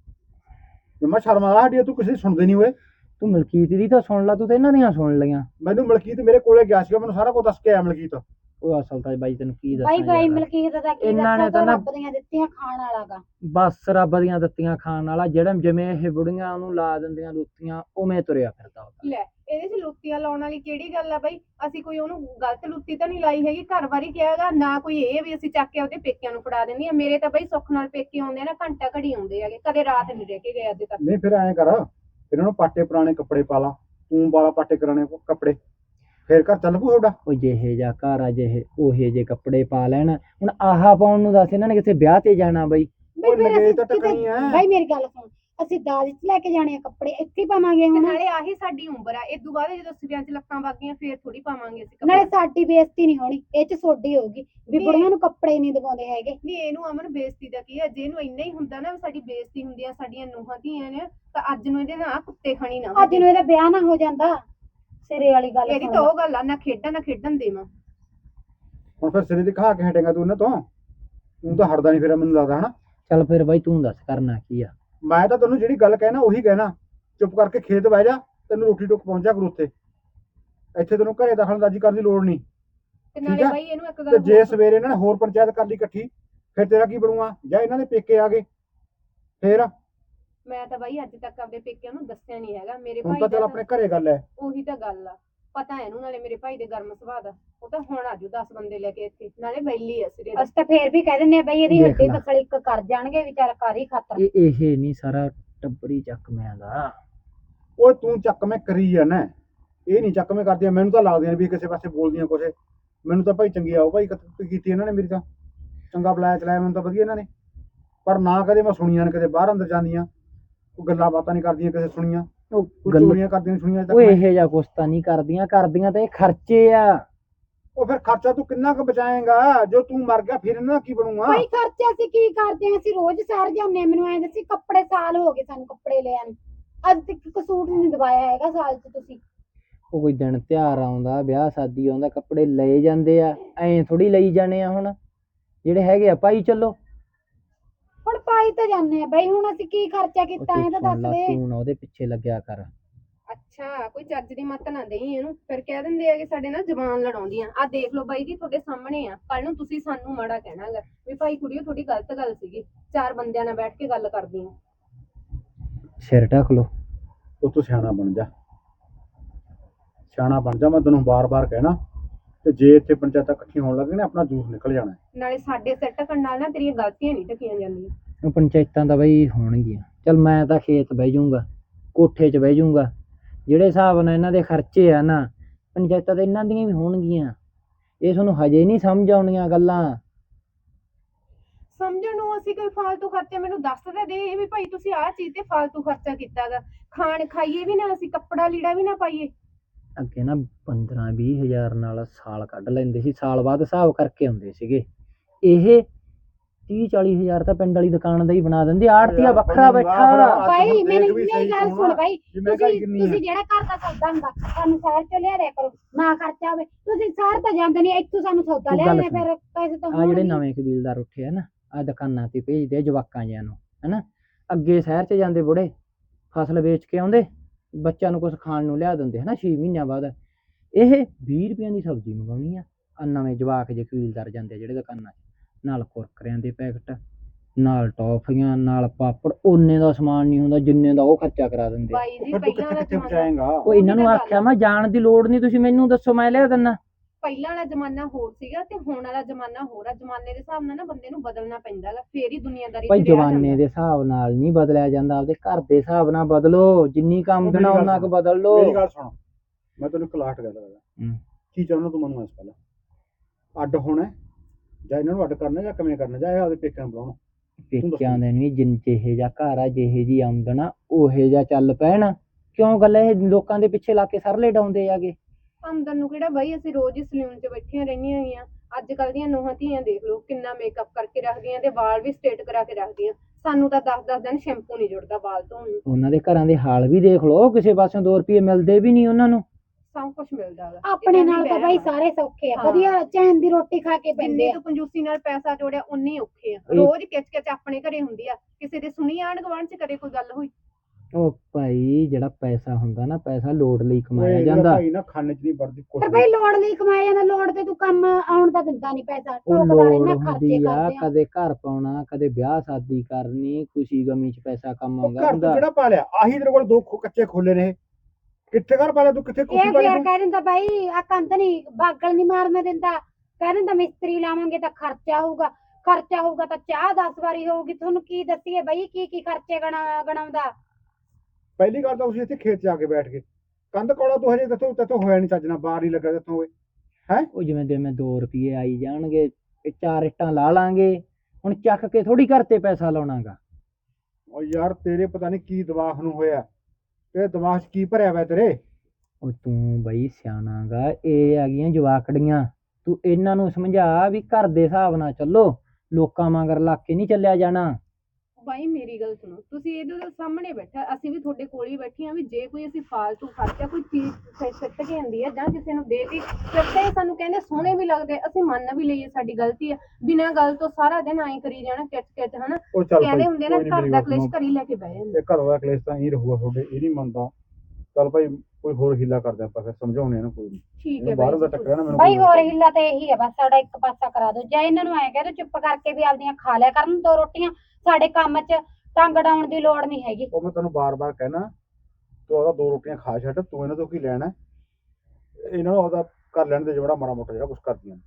ਜਮਾ ਸ਼ਰਮ ਆ ਸਾਡੀ, ਤੂੰ ਕਿਸੇ ਦੀ ਸੁਣਦੇ ਨਹੀਂ ਓਏ।
ਤੂੰ ਮਲਕੀਤ ਦੀ ਤਾਂ ਸੁਣ ਲਾ, ਤੂੰ ਤੇ ਇਹਨਾਂ ਦੀਆਂ ਸੁਣ ਲਈਆਂ।
ਮੈਨੂੰ ਮਲਕੀਤ ਮੇਰੇ ਕੋਲੇ ਗਿਆ ਸੀਗਾ, ਮੈਨੂੰ ਸਾਰਾ ਕੁਝ ਦੱਸ ਕੇ ਆਇਆ ਮਲਕੀਤ।
ਉਹ ਅਸਲ ਤਾਂ ਬਾਈ ਤੈਨੂੰ ਕੀ ਦੱਸਾਂ
ਬਾਈ ਬਾਈ
ਯਾਰ।
ਮਲਕੀਤ ਦਾ ਕੀ
ਇਹਨਾਂ ਨੇ
ਦੱਸਾਂ,
ਤਾਂ
ਤੂੰ
ਨਾ-
ਰੱਬ ਦੀਆਂ ਦਿੱਤੀਆਂ ਖਾਣ ਵਾਲਾ ਗਾ।
ਬਸ ਰੱਬ ਦੀਆਂ ਦਿੱਤੀਆਂ ਖਾਣ ਵਾਲਾ, ਜਿਹੜਾ ਜਿਵੇਂ ਇਹ ਬੁੜੀਆਂ ਉਹਨੂੰ ਲਾ ਦਿੰਦੀਆਂ ਲੁੱਤੀਆਂ, ਉਵੇਂ ਤੁਰਿਆ ਫਿਰਦਾ ਉਹ।
ਲੈ ਇਹਦੇ 'ਚ ਲੁੱਤੀਆਂ ਲਾਉਣ ਵਾਲੀ ਕਿਹੜੀ ਗੱਲ ਆ ਬਈ? ਅਸੀਂ ਕੋਈ ਉਹਨੂੰ ਗਲਤ ਲੁੱਤੀ ਤਾਂ ਨਹੀਂ ਲਾਈ ਹੈਗੀ, ਘਰ ਵਾਰੀ ਕਿਹਾਗਾ ਨਾ ਕੋਈ ਇਹ ਵੀ ਅਸੀਂ ਚੱਕ ਕੇ ਉਹਦੇ ਪੇਕਿਆਂ ਨੂੰ ਫੜਾ ਦਿੰਦੀ ਆ। ਮੇਰੇ ਤਾਂ ਬਈ ਸੁੱਖ ਨਾਲ ਪੇਕੇ ਆਉਂਦੇ ਆ ਨਾ, ਘੰਟਾ ਘੜੀ ਆਉਂਦੇ ਹੈਗੇ, ਕਦੇ ਰਾਤ ਨਹੀਂ ਰਹਿ ਕੇ ਗਏ ਅੱਜ ਤੱਕ।
ਨਹੀਂ ਫਿਰ ਐਂ ਕਰ, ਇਹਨਾਂ ਨੂੰ ਪਾਟੇ ਪੁਰਾਣੇ ਕੱਪੜੇ ਪਾ ਲਾ, ਤੂੰ ਵਾਲਾ ਪਾਟੇ ਕਰਾਣੇ ਕੱਪੜੇ, ਫੇਰ ਘਰ ਚੱਲ ਪੂ ਤੁਹਾਡਾ।
ਉਹ ਜਿਹੇ ਜਾ ਘਰ ਆ ਜਿਹੇ ਉਹੇ ਜੇ ਕੱਪੜੇ ਪਾ ਲੈਣ। ਹੁਣ ਆਹਾ ਪਾਉਣ ਨੂੰ ਦੱਸ, ਇਹਨਾਂ ਨੇ ਕਿਸੇ ਵਿਆਹ ਤੇ ਜਾਣਾ ਬਈ।
ਬਈ
ਉਹ
ਫਿਰ
ਲਗੇ
ਅਸੀਂ
ਤਾਂ
ਕਿਤੇ-
ਟਕਣੀ ਐ।
ਬਾਈ ਮੇਰੀ ਗੱਲ ਸੁਣ, ਅਸੀਂ ਦਾਜ 'ਚ ਲੈ ਕੇ ਜਾਣੇ ਆ ਕੱਪੜੇ, ਇੱਥੇ ਹੀ ਪਾਵਾਂਗੇ
ਤੇ
ਹੁਣ।
ਨਾਲੇ ਆਹੀ ਸਾਡੀ ਉਮਰ ਆ, ਇਦੋਂ ਬਾਅਦ ਜਦੋਂ ਸਿਵਿਆਂ 'ਚ ਲੱਤਾਂ ਵਗਦੀਆਂ ਫੇਰ ਥੋੜੀ ਪਾਵਾਂਗੇ ਅਸੀਂ
ਨਾਲੇ
ਕੱਪੜੇ।
ਸਾਡੀ ਬੇਇੱਜ਼ਤੀ ਨਹੀਂ ਹੋਣੀ, ਇਹ 'ਚ ਸੋਡੀ ਹੋਊਗੀ ਵੀ
ਨਹੀਂ।
ਬੁੜੀਆਂ ਨੂੰ ਕੱਪੜੇ ਨਹੀਂ ਦਿਵਾਉਂਦੇ ਹੈਗੇ।
ਨਹੀਂ ਇਹਨੂੰ ਅਮਨ ਬੇਇੱਜ਼ਤੀ ਦਾ ਕੀ ਹੈ? ਜੇ ਇਹਨੂੰ ਇੰਨਾ ਹੀ ਹੁੰਦਾ ਨਾ ਵੀ ਸਾਡੀ ਬੇਇੱਜ਼ਤੀ ਹੁੰਦੀ ਆ, ਸਾਡੀਆਂ ਨੂੰਹਾਂ ਧੀਆਂ ਨੇ, ਤਾਂ ਅੱਜ ਨੂੰ ਇਹਦੇ ਨਾਲ ਕੁੱਤੇ ਖਾਣੀ ਨਾ
ਅੱਜ ਨੂੰ ਇਹਦਾ ਵਿਆਹ ਨਾ ਹੋ ਜਾਂਦਾ, ਸਿਰੇ ਵਾਲੀ ਗੱਲ
ਇਹਦੀ
ਸੁਣ
ਤਾਂ
ਲੈ।
ਉਹ ਗੱਲ ਆ, ਨਾ ਖੇਡਾਂ ਨਾ ਖੇਡਣ ਦੇਵਾਂ।
ਹੁਣ ਫਿਰ ਸਿਰੇ ਦਿਖਾ ਕੇ ਹਟੇਗਾ ਤੂੰ ਇਹਨਾਂ ਤੋਂ, ਤੂੰ ਤਾਂ ਹਟਦਾ ਨਹੀਂ ਫਿਰ ਮੈਨੂੰ ਲੱਗਦਾ ਹਨਾ।
ਚੱਲ ਫਿਰ ਬਾਈ ਤੂੰ ਦੱਸ ਕਰਨਾ ਕੀ ਆ।
ਮੈਂ ਤਾਂ ਤੈਨੂੰ ਜਿਹੜੀ ਗੱਲ ਕਹਿਣਾ ਉਹੀ ਕਹਿਣਾ, ਚੁੱਪ ਕਰਕੇ ਖੇਤ ਬਹਿ ਜਾ, ਤੈਨੂੰ ਰੋਟੀ ਟੁੱਕ ਪਹੁੰਚਿਆ ਕਰੂ ਉੱਥੇ, ਇੱਥੇ ਤੈਨੂੰ ਘਰੇ ਦਖਲਅੰਦਾਜ਼ੀ ਕਰਨ ਦੀ ਲੋੜ ਨਹੀਂ।
ਤੇ
ਠੀਕ
ਨਾਲੇ
ਆ।
ਬਾਈ ਇਹਨੂੰ ਇੱਕ
ਤੇ
ਗੱਲ
ਜੇ
ਹੋਰ-
ਸਵੇਰੇ ਇਹਨਾਂ ਨੇ ਹੋਰ ਪੰਚਾਇਤ ਕਰ ਲਈ ਇਕੱਠੀ, ਫਿਰ ਤੇਰਾ ਕੀ ਬਣੂਗਾ? ਜਾਂ ਇਹਨਾਂ ਦੇ ਪੇਕੇ ਆ ਗਏ ਫੇਰ?
ਮੈਂ ਤਾਂ ਬਾਈ ਅੱਜ ਤੱਕ ਆਪਣੇ ਪੇਕਿਆਂ ਨੂੰ ਦੱਸਿਆ ਨਹੀਂ ਹੈਗਾ। ਮੇਰੇ
ਹੁਣ
ਭਾਈ
ਤਾਂ
ਦਾ
ਚੱਲ ਆਪਣੇ ਘਰੇ ਗੱਲ ਹੈ।
ਉਹੀ ਤਾਂ ਗੱਲ ਆ, ਪਤਾ ਇਹਨੂੰ ਨਾਲੇ ਮੇਰੇ ਭਾਈ ਦੇ ਗਰਮ ਸੁਭਾਅ ਦਾ। ਉਹ ਤਾਂ ਹੁਣ ਆਜੂ ਦਸ ਬੰਦੇ ਲੈ ਕੇ ਇੱਥੇ, ਨਾਲੇ ਬੈਲੀ ਆ ਸਿਰੇ ਦਾ।
ਅਸੀਂ ਤਾਂ ਫੇਰ ਵੀ ਕਹਿ ਦਿੰਦੇ ਆ ਬਈ ਇਹਦੀ
ਦੇਖ
ਹੱਡੀ
ਲਾ।
ਕਸਲ ਇੱਕ ਕਰ ਜਾਣਗੇ ਵਿਚਾਰਾ ਕਾਰੀ ਖਾਤਰ।
ਇਹ ਇਹ ਨਹੀਂ ਸਾਰਾ ਟੱਬਰੀ ਚੱਕਮਿਆਂ ਦਾ।
ਓਏ ਤੂੰ ਚੱਕਵੇਂ ਕਰੀ ਜਾਣਾ, ਇਹ ਨਹੀਂ ਚੱਕਵੇਂ ਕਰਦੀਆਂ। ਮੈਨੂੰ ਤਾਂ ਲੱਗਦੀਆਂ ਵੀ ਕਿਸੇ ਪਾਸੇ ਬੋਲਦੀਆਂ ਕੁਛ, ਮੈਨੂੰ ਤਾਂ ਭਾਈ ਚੰਗੀ ਆਓ ਭਾਈ ਕਤ ਕੀਤੀ ਇਹਨਾਂ ਨੇ, ਮੇਰੀ ਤਾਂ ਚੰਗਾ ਬੁਲਾਇਆ ਚਲਾਇਆ ਮੈਨੂੰ ਤਾਂ ਵਧੀਆ ਇਹਨਾਂ ਨੇ। ਪਰ ਨਾ ਕਦੇ ਮੈਂ ਸੁਣੀਆਂ ਨੇ ਕਦੇ ਬਾਹਰ ਅੰਦਰ ਜਾਂਦੀਆਂ, ਕੋਈ ਗੱਲਾਂ ਬਾਤਾਂ ਨਹੀਂ ਕਰਦੀਆਂ ਕਿਸੇ ਸੁਣੀਆਂ,
ਉਹ
ਕੋਈ
ਗੱਲ
ਚੋਰੀਆਂ ਕਰਦੀਆਂ ਨੀ ਸੁਣੀਆਂ ਅਜੇ ਤੱਕ
ਉਹ
ਮੈਂ।
ਇਹੋ ਜਿਹਾ ਕੁਛ ਤਾਂ ਨਹੀਂ ਕਰਦੀਆਂ, ਕਰਦੀਆਂ ਤਾਂ ਇਹ ਖਰਚੇ ਆ।
ਉਹ ਫਿਰ ਖਰਚਾ ਤੂੰ ਕਿੰਨਾ ਕੁ ਬਚਾਏਗਾ? ਜੋ ਤੂੰ ਮਰ ਗਿਆ ਫਿਰ ਇਹਨਾਂ ਦਾ ਕੀ ਬਣੂਗਾ?
ਕੋਈ ਖਰਚਾ ਅਸੀਂ ਕੀ ਕਰਦੇ ਆ? ਅਸੀਂ ਰੋਜ਼ ਸਾਰ ਜਾਂਦੇ ਆ। ਮੈਨੂੰ ਐਂ ਦੱਸੀ, ਕੱਪੜੇ ਸਾਲ ਹੋ ਗਏ ਸਾਨੂੰ ਕੱਪੜੇ ਲਿਆ ਨੂੰ, ਅੱਜ ਤੱਕ ਇੱਕ ਸੂਟ ਨਹੀਂ ਦਵਾਇਆ ਹੈਗਾ ਸਾਲ 'ਚ ਤੁਸੀਂ।
ਉਹ ਕੋਈ ਦਿਨ ਤਿਉਹਾਰ ਆਉਂਦਾ, ਵਿਆਹ ਸ਼ਾਦੀ ਆਉਂਦਾ, ਕੱਪੜੇ ਲਏ ਜਾਂਦੇ ਆ, ਐਂ ਥੋੜੀ ਲਈ ਜਾਣੇ ਆ। ਹੁਣ ਜਿਹੜੇ ਹੈਗੇ ਆ ਭਾਈ ਚੱਲੋ।
ਹੁਣ ਪਾਈ ਤਾਂ ਜਾਂਦੇ ਆ ਬਈ, ਹੁਣ ਅਸੀਂ ਕੀ ਖਰਚਾ
ਉਹ
ਕੀਤਾ
ਤੂੰ
ਇਹ ਤਾਂ
ਸੁਣ
ਦੱਸ
ਲਾ,
ਦੇ।
ਤੂੰ ਨਾ ਉਹਦੇ ਪਿੱਛੇ ਲੱਗਿਆ ਕਰ।
ਅੱਛਾ ਕੋਈ ਚੱਜ ਦੀ ਮੱਤ ਨਾ ਦੇਈ ਇਹਨੂੰ, ਫਿਰ ਕਹਿ ਦਿੰਦੇ ਆ ਕਿ ਸਾਡੇ ਨਾਲ ਜ਼ਬਾਨ ਲੜਾਉਂਦੀਆਂ। ਆ ਦੇਖ ਲਓ ਬਾਈ ਜੀ ਤੁਹਾਡੇ ਸਾਹਮਣੇ ਆ, ਕੱਲ ਨੂੰ ਤੁਸੀਂ ਸਾਨੂੰ ਮਾੜਾ ਕਹਿਣਾਗਾ ਵੀ ਭਾਈ ਕੁੜੀਓ ਥੋੜੀ ਗਲਤ ਗੱਲ ਸੀਗੀ, ਚਾਰ ਬੰਦਿਆਂ ਨਾਲ ਬੈਠ ਕੇ ਗੱਲ ਕਰਦੀ ਆ।
ਸਿਰ ਢੱਕ ਲੋ।
ਉਹ ਤੂੰ ਸਿਆਣਾ ਬਣ ਜਾ, ਸਿਆਣਾ ਬਣ ਜਾ, ਮੈਂ ਤੈਨੂੰ ਬਾਰ-ਬਾਰ ਕਹਿਣਾ। ਤੇ ਜੇ ਇੱਥੇ ਪੰਚਾਇਤਾਂ ਇਕੱਠੀਆਂ ਹੋਣ ਲੱਗੇ ਨਾ, ਆਪਣਾ ਜੂਸ ਨਿਕਲ ਜਾਣਾ।
ਨਾਲੇ ਸਾਡੇ ਸਿਰ ਢੱਕਣ ਨਾਲ ਨਾ ਤੇਰੀਆਂ ਗਲਤੀਆਂ ਨਹੀਂ ਢੱਕੀਆਂ ਜਾਂਦੀਆਂ।
ਉਹ ਪੰਚਾਇਤਾਂ ਤਾਂ ਬਈ ਹੋਣਗੀਆਂ। ਚੱਲ ਮੈਂ ਤਾਂ ਖੇਤ ਬਹਿ ਜਾਊਂਗਾ, ਕੋਠੇ 'ਚ ਬਹਿ ਜਾਊਂਗਾ। ਜਿਹੜੇ ਹਿਸਾਬ ਨਾਲ ਇਹਨਾਂ ਦੇ ਖਰਚੇ ਆ ਨਾ, ਪੰਚਾਇਤਾਂ ਤਾਂ ਇਹਨਾਂ ਦੀਆਂ ਵੀ ਹੋਣਗੀਆਂ। ਇਹ ਤੁਹਾਨੂੰ ਹਜੇ ਨਹੀਂ ਸਮਝ ਆਉਣੀਆਂ ਗੱਲਾਂ।
ਸਮਝਣ ਨੂੰ ਅਸੀਂ ਕੋਈ ਫਾਲਤੂ ਖਰਚੇ ਮੈਨੂੰ ਦੱਸ ਤਾਂ ਦੇ ਵੀ ਭਾਈ ਤੁਸੀਂ ਆਹ ਚੀਜ਼ ਤੇ ਫਾਲਤੂ ਖਰਚਾ ਕੀਤਾਗਾ। ਖਾਣ ਖਾਈਏ ਵੀ ਨਾ, ਅਸੀਂ ਕੱਪੜਾ ਲੀੜਾ ਵੀ ਨਾ ਪਾਈਏ।
ਅੱਗੇ ਨਾ ਪੰਦਰਾਂ ਵੀਹ ਹਜ਼ਾਰ ਨਾਲ ਸਾਲ ਕੱਢ ਲੈਂਦੇ ਸੀ, ਸਾਲ ਬਾਅਦ ਹਿਸਾਬ ਕਰਕੇ ਆਉਂਦੇ ਸੀਗੇ। ਇਹ ਤੀਹ ਚਾਲੀ ਹਜ਼ਾਰ ਤਾਂ ਪਿੰਡ ਵਾਲੀ ਦੁਕਾਨ ਦਾ ਹੀ ਬਣਾ ਦਿੰਦੇ। ਆੜਤੀਆ ਵੱਖਰਾ ਬੈਠਾ।
ਬਾਈ
ਦੇਖ
ਮੈਨੂੰ
ਵੀ
ਇਹ
ਸਹੀ
ਗੱਲ
ਤੂੰ
ਸੁਣ
ਨਾ,
ਬਾਈ,
ਵੀ ਮਹਿੰਗਾਈ
ਤੁਸੀਂ
ਕਿੰਨੀ ਹੈ।
ਤੁਸੀਂ ਜਿਹੜਾ ਘਰ ਦਾ ਸੌਦਾ ਹੁੰਦਾ ਸਾਨੂੰ ਸ਼ਹਿਰ 'ਚ ਲਿਆ ਦਿਆ ਕਰੋ, ਨਾ ਖਰਚਾ ਹੋਵੇ। ਤੁਸੀਂ ਸ਼ਹਿਰ ਤਾਂ ਜਾਂਦੇ ਨਹੀਂ, ਇੱਥੋਂ ਸਾਨੂੰ ਸੌਦਾ
ਤੂੰ
ਲਿਆ
ਗੱਲ
ਦੇ,
ਸੁਣ।
ਫਿਰ ਪੈਸੇ ਤਾਂ
ਆ ਜਿਹੜੇ
ਹੋਣਗੇ।
ਨਵੇਂ ਕਬੀਲਦਾਰ ਉੱਠੇ ਆ ਨਾ, ਆ ਦੁਕਾਨਾਂ ਤੇ ਭੇਜਦੇ ਆ ਜਵਾਕਾਂ ਜਿਆਂ ਨੂੰ, ਹਨਾ। ਅੱਗੇ ਸ਼ਹਿਰ 'ਚ ਜਾਂਦੇ ਬੁੜੇ, ਫਸਲ ਵੇਚ ਕੇ ਆਉਂਦੇ, ਬੱਚਿਆਂ ਨੂੰ ਕੁਝ ਖਾਣ ਨੂੰ ਲਿਆ ਦਿੰਦੇ, ਹਨਾ। ਛੇ ਮਹੀਨਿਆਂ ਬਾਅਦ ਇਹ ਵੀਹ ਰੁਪਈਆਂ ਦੀ ਸਬਜ਼ੀ ਮੰਗਾਉਣੀ ਆ। ਆ ਨਵੇਂ ਜਵਾਕ ਜੇ ਕਬੀਲਦਾਰ ਜਾਂਦੇ ਆ ਜਿਹੜੇ ਦੁਕਾਨਾਂ 'ਚ, ਨਾਲ ਕੁਰਕਰਿਆਂ ਦੇ ਪੈਕਟ, ਨਾਲ ਟੌਫੀਆਂ, ਨਾਲ ਪਾਪੜ। ਓਨੇ ਦਾ ਸਮਾਨ ਨਹੀਂ ਹੁੰਦਾ ਜਿੰਨੇ ਦਾ ਉਹ ਖਰਚਾ ਕਰਾ ਦਿੰਦੇ ਆ।
ਬਾਈ ਜੀ
ਫਿਰ ਤੂੰ
ਪਹਿਲਾਂ
ਕਿੱਥੇ
ਵਾਲਾ
ਕਿੱਥੇ
ਜ਼ਮਾਨਾ
ਬਚਾਏਗਾ?
ਉਹ ਇਹਨਾਂ ਨੂੰ ਆਖਿਆ ਮੈਂ ਜਾਣ ਦੀ ਲੋੜ ਨਹੀਂ, ਤੁਸੀਂ ਮੈਨੂੰ ਦੱਸੋ ਮੈਂ ਲਿਆ ਦਿੰਦਾ।
ਪਹਿਲਾਂ ਵਾਲਾ ਜ਼ਮਾਨਾ ਹੋਰ ਸੀਗਾ ਤੇ ਹੁਣ ਵਾਲਾ ਜ਼ਮਾਨਾ ਹੋਰ ਆ। ਜ਼ਮਾਨੇ ਦੇ ਹਿਸਾਬ ਨਾਲ ਨਾ ਬੰਦੇ ਨੂੰ ਬਦਲਣਾ ਪੈਂਦਾ ਗਾ, ਫੇਰ ਹੀ ਦੁਨੀਆਦਾਰੀ 'ਚ
ਭਾਈ
ਰਿਹਾ
ਜਵਾਨੇ
ਜਾਂਦਾ।
ਦੇ ਹਿਸਾਬ ਨਾਲ ਨਹੀਂ ਬਦਲਿਆ ਜਾਂਦਾ, ਆਪਦੇ ਘਰ ਦੇ ਹਿਸਾਬ ਨਾਲ ਬਦਲੋ। ਜਿੰਨੀ ਕੰਮ ਦੇਣਾ
ਮੇਰੀ ਗੱਲ
ਉਹਨਾਂ ਕੁ
ਸੁਣ।
ਬਦਲ ਲੋ।
ਮੇਰੀ ਗੱਲ ਸੁਣ, ਮੈਂ ਤੈਨੂੰ ਕਲਾਟ ਗੱਲ ਕਰਦਾ।
ਹੂੰ।
ਕੀ ਚਾਹੁੰਦਾ ਤੂੰ ਮੈਨੂੰ ਇਸ ਪਹਿਲਾਂ ਅੱਡ ਹੋਣਾ, ਜਾਂ ਇਹਨਾਂ ਨੂੰ ਅੱਡ ਕਰਨਾ, ਜਾਂ ਕਿਵੇਂ ਕਰਨਾ, ਜਾਂ ਇਹ ਆਪਦੇ ਪੇਕਿਆਂ ਨੂੰ ਬੁਲਾਉਣਾ?
ਪੇਕਿਆਂ ਦੇ ਨਹੀਂ, ਜਿੰਨ ਜਿਹੇ ਜਿਹਾ ਘਰ ਆ, ਜਿਹੇ ਜੀ ਆਮਦਨ ਆ, ਉਹੇ ਜਿਹਾ ਚੱਲ ਪੈਣ। ਕਿਉਂ ਗੱਲ ਇਹ ਲੋਕਾਂ ਦੇ ਪਿੱਛੇ ਲਾ ਕੇ ਸਰਲੇ ਡਾਉਂਦੇ ਆਗੇ।
ਆਮਦਨ ਨੂੰ ਕਿਹੜਾ ਬਾਈ ਅਸੀਂ ਰੋਜ਼ ਹੀ ਸਲੂਨ 'ਚ ਬੈਠੀਆਂ ਰਹਿੰਦੀਆਂ ਹੈਗੀਆਂ। ਅੱਜ ਕੱਲ ਦੀਆਂ ਨੂੰਹਾਂ ਧੀਆਂ ਦੇਖ ਲਓ ਕਿੰਨਾ ਮੇਕਅਪ ਕਰਕੇ ਰੱਖਦੀਆਂ ਤੇ ਵਾਲ ਵੀ ਸਟ੍ਰੇਟ ਕਰਾ ਕੇ ਰੱਖਦੀਆਂ। ਸਾਨੂੰ ਤਾਂ ਦਸ ਦਸ ਦਿਨ ਸ਼ੈਂਪੂ ਨਹੀਂ ਜੁੜਦਾ ਵਾਲ ਧੋਣ ਨੂੰ।
ਉਹਨਾਂ ਦੇ ਘਰਾਂ ਦੇ ਹਾਲ ਵੀ ਦੇਖ ਲਓ, ਕਿਸੇ ਪਾਸਿਓਂ ਦੋ ਰੁਪਏ ਮਿਲਦੇ ਵੀ ਨਹੀਂ ਉਹਨਾਂ ਨੂੰ।
ਸਭ ਕੁਝ ਮਿਲਦਾ ਗਾ।
ਆਪਣੇ
ਇਹਨਾਂ
ਨਾਲ
ਦੀ
ਤਾਂ
ਵਹਿਮ
ਬਾਈ
ਆ।
ਸਾਰੇ ਸੌਖੇ ਆ,
ਹਾਂ।
ਵਧੀਆ ਚੈਨ ਦੀ ਰੋਟੀ ਖਾ ਕੇ ਪੈਂਦੇ
ਜਿੰਨੀ
ਆ।
ਤੂੰ ਕੰਜੂਸੀ ਨਾਲ ਪੈਸਾ ਜੋੜਿਆ ਉਨੇ ਹੀ ਔਖੇ ਆ।
ਇਹ-
ਰੋਜ਼ ਕਿਚ ਕਿਚ ਆਪਣੇ ਘਰੇ ਹੁੰਦੀ ਆ, ਕਿਸੇ ਦੇ ਸੁਣੀ ਆਂਢ ਗੁਆਂਢ ਚ ਕਦੇ ਕੋਈ ਗੱਲ ਹੋਈ।
ਉਹ ਭਾਈ ਜਿਹੜਾ ਪੈਸਾ ਹੁੰਦਾ ਨਾ, ਪੈਸਾ ਲੋੜ ਲਈ
ਓਏ
ਕਮਾਇਆ
ਇਹਦਾ
ਜਾਂਦਾ।
ਭਾਈ ਨਾ ਖਾਣੇ ਚ ਨਹੀਂ ਵੜਦੀ ਕੁਛ
ਪਰ
ਵੀ।
ਬਾਈ ਲੋੜ ਲਈ ਕਮਾਇਆ ਜਾਂਦਾ, ਲੋੜ ਤੇ ਤੂੰ ਕੰਮ ਆਉਣ ਦਾ ਦਿੰਦਾ ਨਹੀਂ ਪੈਸਾ,
ਉਹ
ਟੋਕਦਾ
ਲੋੜ
ਰਹਿਣਾ, ਖਰਚੇ
ਹੁੰਦੀ ਆ,
ਕਰਦੇ ਆ।
ਕਦੇ ਘਰ ਪਾਉਣਾ, ਕਦੇ ਵਿਆਹ ਸ਼ਾਦੀ ਕਰਨੀ, ਖੁਸ਼ੀ ਗਮੀ ਚ ਪੈਸਾ ਕੰਮ
ਉਹ
ਆਉਂਦਾ
ਘਰ ਤੂੰ
ਹੁੰਦਾ।
ਕਿਹੜਾ ਪਾਲਿਆ? ਆਹੀ ਤੇਰੇ ਕੋਲ ਦੋ ਖੋ- ਕੱਚੇ ਖੋਲੇ ਨੇ ਇਹ। ਕਿੱਥੇ ਘਰ ਪਾਲਿਆ ਤੂੰ? ਕਿੱਥੇ ਕੋਠੀ
ਇਹ
ਪਾਲੀ
ਫੇਰ
ਤੂੰ?
ਕਹਿ ਦਿੰਦਾ ਬਾਈ ਆ ਕੰਧ ਨਹੀਂ ਬਾਗਲ ਨਹੀਂ ਮਾਰਨਾ ਦਿੰਦਾ, ਕਹਿ ਦਿੰਦਾ ਮਿਸਤਰੀ ਲਾਵਾਂਗੇ ਤਾਂ ਖਰਚਾ ਹੋਊਗਾ, ਖਰਚਾ ਹੋਊਗਾ ਤਾਂ ਚਾਹ ਦਸ ਵਾਰੀ ਹੋਊਗੀ। ਤੁਹਾਨੂੰ ਕੀ ਦੱਸੀਏ ਬਾਈ ਕੀ ਕੀ ਖਰਚੇ ਗਣਾ ਗਣਾਉਂਦਾ।
ਪਹਿਲੀ ਗੱਲ ਤਾਂ ਤੁਸੀਂ ਇੱਥੇ ਖੇਤ 'ਚ ਆ ਕੇ ਬੈਠ ਕੇ ਕੰਧ ਕੋਲਾ ਤੂੰ ਹਜੇ ਤੇਥੋਂ ਤੇਥੋਂ ਹੋਇਆ ਨਹੀਂ ਚੱਜਣਾ, ਬਾਹਰ ਹੀ ਲੱਗਾ ਤੇਥੋਂ ਓਏ।
ਉਹ ਜਿਵੇਂ ਦੇ ਮੈਂ ਦੋ ਰੁਪਏ ਆਈ ਜਾਣਗੇ, ਇਹ ਚਾਰ ਇੱਟਾਂ ਲਾ ਲਾਂਗੇ। ਹੁਣ ਚੱਕ ਕੇ ਥੋੜੀ ਘਰ ਤੇ ਪੈਸਾ ਲਾਉਣਾਗਾ।
ਓ ਯਾਰ ਤੇਰੇ ਪਤਾ ਨਹੀਂ ਕੀ ਦਿਮਾਗ ਨੂੰ ਹੋਇਆ, ਤੇਰੇ ਦਿਮਾਗ 'ਚ ਕੀ ਭਰਿਆ ਹੋਇਆ ਤੇਰੇ?
ਉਹ ਤੂੰ ਬਈ ਸਿਆਣਾਗਾ, ਇਹ ਆ ਗਈਆਂ ਜਵਾਕੜੀਆਂ। ਤੂੰ ਇਹਨਾਂ ਨੂੰ ਸਮਝਾ ਵੀ ਘਰ ਦੇ ਹਿਸਾਬ ਨਾਲ ਚੱਲੋ, ਲੋਕਾਂ ਮਗਰ ਲੱਗ ਕੇ ਨਹੀਂ ਚੱਲਿਆ ਜਾਣਾ।
ਬਾਈ ਮੇਰੀ ਗੱਲ ਸੁਣੋ, ਤੁਸੀਂ ਇਹਦੇ ਦੇ ਸਾਹਮਣੇ ਬੈਠਾ, ਅਸੀਂ ਵੀ ਤੁਹਾਡੇ ਕੋਲ ਹੀ ਬੈਠੇ ਆ ਵੀ ਜੇ ਕੋਈ ਅਸੀਂ ਫਾਲਤੂ ਖਰਚਾ ਕੋਈ ਚੀਜ਼ ਸ- ਸਿੱਟ ਕੇ ਆਂਦੀ ਹੈ ਜਾਂ ਕਿਸੇ ਨੂੰ ਦੇਤੀ, ਸਿੱਟੇ ਸਾਨੂੰ ਕਹਿੰਦੇ ਸੋਹਣੇ ਵੀ ਲੱਗਦੇ, ਅਸੀਂ ਮੰਨ ਵੀ ਲਈਏ ਸਾਡੀ ਗਲਤੀ ਆ, ਬਿਨਾਂ ਗੱਲ ਤੋਂ ਸਾਰਾ ਦਿਨ ਐਂ ਕਰੀ ਜਾਣਾ ਕਿਚ ਕਿਚ ਹਨਾ।
ਉਹ ਚੱਲ
ਕਹਿੰਦੇ
ਭਾਈ,
ਹੁੰਦੇ ਨਾ
ਕੋਈ ਨੀ
ਘਰ
ਮੇਰੀ
ਦਾ
ਗੱਲ
ਕਲੇਸ਼
ਸੁਣੋ।
ਘਰੀ ਲੈ ਕੇ ਬਹਿ ਜਾਂਦੇ।
ਇਹ ਘਰ ਦਾ ਕਲੇਸ਼ ਤਾਂ ਹੀ ਰਹੂਗਾ ਤੁਹਾਡੇ, ਇਹ ਨਹੀਂ ਮੰਨਦਾ। ਚੱਲ ਭਾਈ ਕੋਈ ਹੋਰ ਹੀਲਾ ਕਰਦੇ ਆਪਾਂ, ਫਿਰ ਸਮਝਾਉਣੇ ਇਹਨੂੰ ਕੋਈ ਨਹੀਂ।
ਠੀਕ ਹੈ
ਬਾਹਰੋਂ ਦਾ
ਬਾਈ
ਟੱਕਰਿਆ ਨਾ ਮੈਨੂੰ
ਬਾਈ
ਕੋਈ
ਹੋਰ ਹਿੱਲਾ ਤੇ ਇਹੀ ਆ, ਬਸ ਸਾਡਾ ਇੱਕ ਪਾਸਾ ਕਰਾ ਦਿਓ, ਜਾਂ ਇਹਨਾਂ ਨੂੰ ਐ ਕਹਿ ਦਿਓ ਚੁੱਪ ਕਰਕੇ ਵੀ ਆਪਦੀਆਂ ਖਾ ਲਿਆ ਕਰਨ ਦੋ ਰੋਟੀਆਂ, ਸਾਡੇ ਕੰਮ 'ਚ ਟੰਗ ਡਾਉਣ ਦੀ ਲੋੜ ਨਹੀਂ ਹੈਗੀ।
ਉਹ ਮੈਂ ਤੈਨੂੰ ਬਾਰ-ਬਾਰ ਕਹਿਣਾ, ਤੂੰ ਉਹਦਾ ਦੋ ਰੋਟੀਆਂ ਖਾ ਛੱਡ, ਤੂੰ ਇਹਨਾਂ ਤੋਂ ਕੀ ਲੈਣਾ? ਇਹਨਾਂ ਨੂੰ ਉਹਦਾ ਕਰ ਲੈਣ ਦੇ ਜਿਹੜਾ ਮਾੜਾ ਮੋਟਾ ਜਿਹੜਾ ਕੁਝ ਕਰਦੀਆਂ ਨੇ।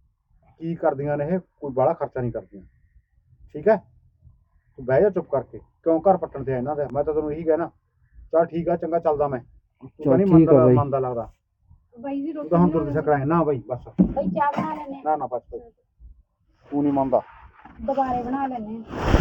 ਕੀ ਕਰਦੀਆਂ ਨੇ ਇਹ? ਕੋਈ ਬਾਹਲਾ ਖਰਚਾ ਨਹੀਂ ਕਰਦੀਆਂ, ਠੀਕ ਹੈ? ਤੂੰ ਬਹਿ ਜਾ ਚੁੱਪ ਕਰਕੇ, ਕਿਉਂ ਘਰ ਪੱਟਣ ਤੇ ਆ ਇਹਨਾਂ ਦਾ? ਮੈਂ ਤਾਂ ਤੈਨੂੰ ਇਹੀ ਕਹਿਣਾ। ਚੱਲ ਠੀਕ ਆ, ਚੰਗਾ ਚੱਲਦਾ ਮੈਂ। ਤੂੰ ਤਾਂ ਨਹੀਂ
ਚੱਲ ਠੀਕ ਆ
ਮੰਨਦਾ
ਬਾਈ।
ਮੰਨਦਾ ਲੱਗਦਾ।
ਬਾਈ ਜੀ
ਤੂੰ
ਰੋਟੀ
ਤਾਂ ਹੁਣ
ਬਣਾ
ਤੁਰ
ਲਓ।
ਸਕਣਾ ਨਾ ਬਾਈ, ਬਸ
ਬਾਈ ਚਾਹ ਬਣਾ ਲੈਣੇ,
ਨਾ ਨਾ ਬਸ ਬਸ ਤੂੰ ਨਹੀਂ ਮੰਨਦਾ।
ਦੁਬਾਰੇ ਬਣਾ ਲੈਣੇ।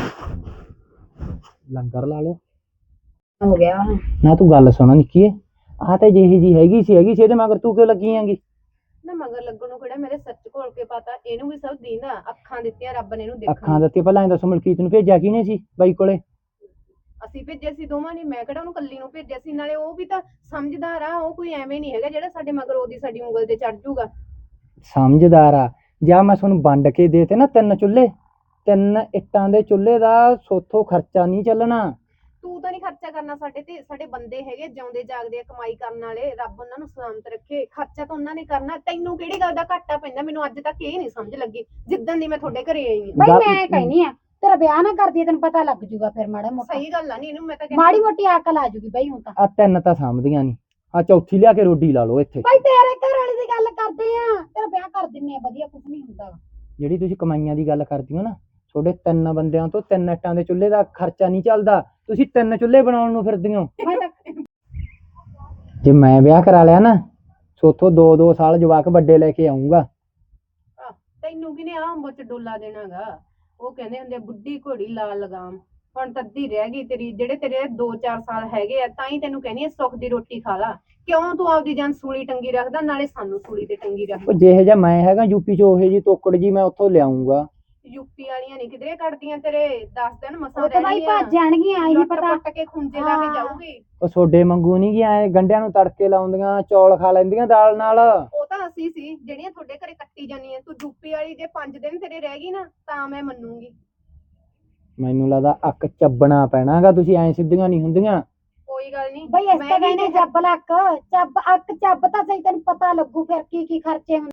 ਲੰਗਰ ਲਾ ਲਓ।
ਹੋ ਗਿਆ
ਨਾ ਤੂੰ ਗੱਲ ਸੁਣ ਨਿੱਕੀਏ, ਆਹ ਤਾਂ ਜਿਹੀ ਜੀ ਹੈਗੀ ਸੀ ਹੈਗੀ ਸੀ, ਇਹਦੇ ਮਗਰ ਤੂੰ ਕਿਉਂ ਲੱਗੀ ਆਂਗੀ?
ਨਾ ਮਗਰ ਲੱਗਣ ਨੂੰ ਕਿਹੜਾ ਮੇਰੇ ਸੱਚ ਘੋਲ ਕੇ ਪਤਾ, ਇਹਨੂੰ ਵੀ ਸਭ ਦੀਂਦਾ, ਅੱਖਾਂ ਦਿੱਤੀਆਂ ਰੱਬ ਨੇ ਇਹਨੂੰ ਦੇਖਣ
ਅੱਖਾਂ
ਨੂੰ।
ਦਿੱਤੀ, ਪਹਿਲਾਂ ਇਹ ਦੱਸੋ ਮਲਕੀਤ ਨੂੰ ਭੇਜਿਆ ਕਿਹਨੇ ਸੀ ਬਾਈ ਕੋਲੇ?
ਅਸੀਂ ਭੇਜਿਆ ਸੀ ਦੋਵਾਂ ਨੇ, ਮੈਂ ਕਿਹੜਾ ਉਹਨੂੰ ਕੱਲੀ ਨੂੰ ਭੇਜਿਆ ਸੀ। ਨਾਲੇ ਉਹ ਵੀ ਤਾਂ ਸਮਝਦਾਰ ਆ, ਉਹ ਕੋਈ ਐਵੇਂ ਨਹੀਂ ਹੈਗਾ ਜਿਹੜਾ ਸਾਡੇ ਮਗਰ ਉਹਦੀ ਸਾਡੀ ਉਂਗਲ ਤੇ ਚੜ ਜਾਊਗਾ।
ਸਮਝਦਾਰ ਆ। ਜਾਂ ਮੈਂ ਤੁਹਾਨੂੰ ਵੰਡ ਕੇ ਦੇਤੇ ਨਾ ਤਿੰਨ ਚੁੱਲ੍ਹੇ, ਤਿੰਨ ਇੱਟਾਂ ਦੇ ਚੁੱਲ੍ਹੇ ਦਾ ਸੋਥੋਂ ਖਰਚਾ ਨਹੀਂ ਚੱਲਣਾ।
ਤੂੰ ਤਾਂ ਨਹੀਂ ਖਰਚਾ ਕਰਨਾ ਸਾਡੇ ਤੇ, ਸਾਡੇ ਬੰਦੇ ਹੈਗੇ ਜਿਉਂਦੇ ਜਾਗਦੇ ਆ, ਕਮਾਈ ਕਰਨ ਵਾਲੇ, ਰੱਬ ਉਹਨਾਂ ਨੂੰ ਸਲਾਮਤ ਰੱਖੇ। ਖਰਚਾ ਤਾਂ ਉਹਨਾਂ ਨੇ ਕਰਨਾ, ਤੈਨੂੰ ਕਿਹੜੀ ਗੱਲ ਦਾ ਘਾਟਾ ਪੈਂਦਾ? ਮੈਨੂੰ ਅੱਜ ਤੱਕ ਇਹ ਨਹੀਂ ਸਮਝ ਲੱਗੀ ਜਿੱਦਣ ਦੀ ਮੈਂ ਤੁਹਾਡੇ ਘਰੇ ਆਈ ਹਾਂ।
ਬਾਈ
ਗੱਲ-
ਮੈਂ ਕਹਿਨੀ ਆ ਤੇਰਾ ਵਿਆਹ ਨਾ ਕਰਦੀ ਤੈਨੂੰ ਪਤਾ ਲੱਗ ਜੂਗਾ ਫਿਰ ਮਾੜਾ ਮੋਟਾ,
ਸਹੀ ਗੱਲ ਆ, ਨਹੀਂ ਇਹਨੂੰ ਮੈਂ ਤਾਂ ਕਹਿੰਦੀ
ਮਾੜੀ ਮੋਟੀ ਅਕਲ ਆ ਜੂਗੀ ਬਾਈ ਹੁਣ ਤਾਂ।
ਆ ਤਿੰਨ ਤਾਂ ਸਮਝਦੀਆਂ ਨਹੀਂ, ਆ ਚੌਥੀ ਲਿਆ ਕੇ ਰੋਡੀ ਲਾ ਲਓ ਇੱਥੇ।
ਬਾਈ ਤੇਰੇ ਘਰ ਵਾਲੀ ਦੀ ਗੱਲ ਕਰਦੇ ਆ, ਤੇਰਾ ਵਿਆਹ ਕਰ ਦਿੰਨੇ ਆ, ਵਧੀਆ ਕੁਝ ਨਹੀਂ ਹੁੰਦਾ ਗਾ।
ਜਿਹੜੀ ਤੁਸੀਂ ਕਮਾਈਆਂ ਦੀ ਗੱਲ ਕਰਦੀ ਹੋ ਨਾ, ਤੁਹਾਡੇ ਤਿੰਨ ਬੰਦਿਆਂ ਤੋਂ ਤਿੰਨ ਇੱਟਾਂ ਦੇ ਚੁੱਲ੍ਹੇ ਦਾ ਖਰਚਾ ਨਹੀਂ ਚੱਲਦਾ। ਤੁਸੀਂ ਤਿੰਨ ਚੁੱਲ੍ਹੇ ਬਣਾਉਣ ਨੂੰ ਫਿਰਦੀ ਹੋ।
ਮੈਂ ਤਾਂ
ਜੇ ਮੈਂ ਵਿਆਹ ਕਰਾ ਲਿਆ ਨਾ, ਸੋਥੋਂ ਦੋ ਦੋ ਸਾਲ ਜਵਾਕ ਵੱਡੇ ਲੈ ਕੇ ਆਉਂਗਾ।
ਆਹ, ਤੈਨੂੰ ਕਿਨੇ ਆਹ ਅੰਬ ਚ ਡੋਲਾ ਦੇਣਾਗਾ? ਉਹ ਕਹਿੰਦੇ ਹੁੰਦੇ ਆ, ਬੁੱਢੀ ਘੋੜੀ ਲਾਲ ਲਗਾਮ। ਹੁਣ ਤਾਂ ਅੱਧੀ ਰਹਿ ਗਈ ਤੇਰੀ, ਜਿਹੜੇ ਤੇਰੇ ਦੋ ਚਾਰ ਸਾਲ ਹੈਗੇ ਆ, ਤਾਂ ਹੀ ਤੈਨੂੰ ਕਹਿੰਦੀ ਆ ਸੁੱਖ ਦੀ ਰੋਟੀ ਖਾ ਲਾ। ਕਿਉਂ ਤੂੰ ਆਪਦੀ ਜਾਨ ਸੂਲੀ ਟੰਗੀ ਰੱਖਦਾ, ਨਾਲੇ ਸਾਨੂੰ ਸੂਲੀ ਤੇ ਟੰਗੀ ਰੱਖਦਾ।
ਉਹ ਜਿਹੇ ਜਿਹਾ ਮੈਂ ਹੈਗਾ ਯੂਪੀ ਚ, ਉਹੇ ਜੀ ਤੋਕੜ ਜੀ ਮੈਂ ਉੱਥੋਂ ਲਿਆਉਂਗਾ।
ਯੂਪੀ ਵਾਲੀਆਂ ਨਹੀਂ ਕਿਧਰੇ ਕੱਢਦੀਆਂ ਤੇਰੇ, ਦਸ ਦਿਨ ਮਸਾਂ
ਉਹ ਤਾਂ ਬਾਈ
ਰਹਿਣੀਆਂ।
ਭੱਜ ਜਾਣਗੀਆਂ, ਇਹ
ਲੁੱਟ
ਪਤਾ।
ਪੁੱਟ ਕੇ ਖੁੰਝੇ ਲਾ ਕੇ
ਹਾਂ।
ਜਾਊਗੀ।
ਉਹ ਸੋਡੇ ਮੰਗੂ ਨਹੀਂ ਗਿਆ, ਐ ਗੰਢਿਆਂ ਨੂੰ ਤੜਕੇ ਲਾਉਂਦੀਆਂ, ਚੌਲ ਖਾ ਲੈਂਦੀਆਂ ਦਾਲ ਨਾਲ।
ਉਹ ਤਾਂ ਅਸੀਂ ਸੀ ਜਿਹੜੀਆਂ ਤੁਹਾਡੇ ਘਰੇ ਕੱਟੀ ਜਾਂਦੀਆਂ। ਤੂੰ ਯੂਪੀ ਵਾਲੀ ਜੇ ਪੰਜ ਦਿਨ ਤੇਰੇ ਰਹਿ ਗਈ ਨਾ, ਤਾਂ ਮੈਂ ਮੰਨੂਗੀ।
ਮੈਨੂੰ ਲੱਗਦਾ ਅੱਕ ਚੱਬਣਾ ਪੈਣਾਗਾ, ਤੁਸੀਂ ਐ ਸਿੱਧੀਆਂ ਨਹੀਂ ਹੁੰਦੀਆਂ।
ਕੋਈ ਗੱਲ ਨਹੀਂ
ਬਈ ਇਸ ਤਾਂ ਕਹਿੰਦੇ ਜੱਬ ਲੱਕ ਚੱਬ ਅੱਕ ਚੱਬ ਤਾਂ ਸਹੀ, ਤੈਨੂੰ ਪਤਾ ਲੱਗੂ ਫਿਰ ਕੀ ਕੀ ਖਰਚੇ ਹੁੰਦੇ।